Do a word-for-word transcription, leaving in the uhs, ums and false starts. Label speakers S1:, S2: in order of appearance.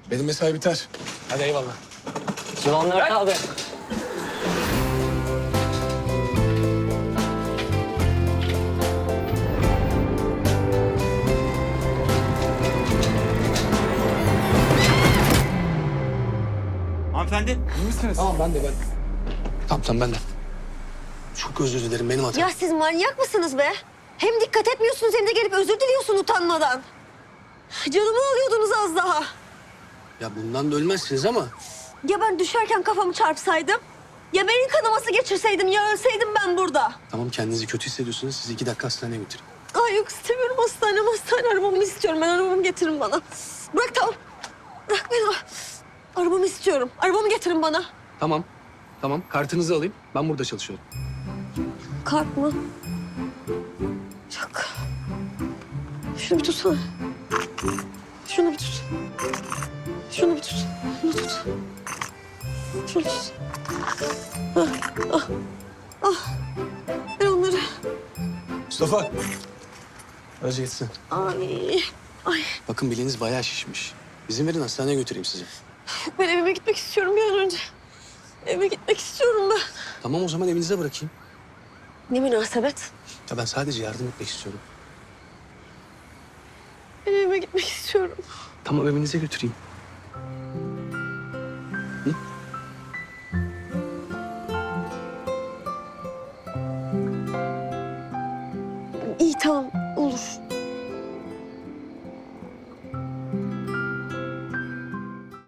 S1: Benim mesai biter. Hadi eyvallah.
S2: Yılanlar abi.
S3: Hanımefendi.
S1: İyi misiniz? Tamam ben de ben. Tamam tamam ben de. Çok özür dilerim benim hatam.
S4: Ya siz manyak mısınız be? Hem dikkat etmiyorsunuz hem de gelip özür diliyorsun utanmadan. Canımı alıyordunuz az daha.
S1: Ya bundan da ölmezsiniz ama.
S4: Ya ben düşerken kafamı çarpsaydım? Ya beyin kanaması geçirseydim ya ölseydim ben burada?
S1: Tamam kendinizi kötü hissediyorsunuz. Sizi iki dakika hastaneye götürün.
S4: Ay yok istemiyorum hastane hastane arabamı istiyorum. Ben arabamı getirin bana. Bırak tamam. Bırak beni. Arabamı istiyorum. Arabamı getirin bana.
S1: Tamam. Tamam kartınızı alayım. Ben burada çalışıyorum.
S4: Kart mı? Yok. Şunu bir tutsana. Şunu bir tut. Şunu bir tut. Şunu tut. Şunu tut. Ah, ah, ah. Ver onları.
S1: Mustafa. Aracı gitsin.
S4: Ay, ay.
S1: Bakın bileğiniz bayağı şişmiş. İzin verin hastaneye götüreyim sizi.
S4: Ben evime gitmek istiyorum bir an önce. Evime gitmek istiyorum ben.
S1: Tamam o zaman evinize bırakayım.
S4: Ne münasebet.
S1: Ya ben sadece yardım etmek istiyorum.
S4: Ben evime gitmek istiyorum.
S1: Tamam evinize götüreyim. Hı?
S4: İyi tamam.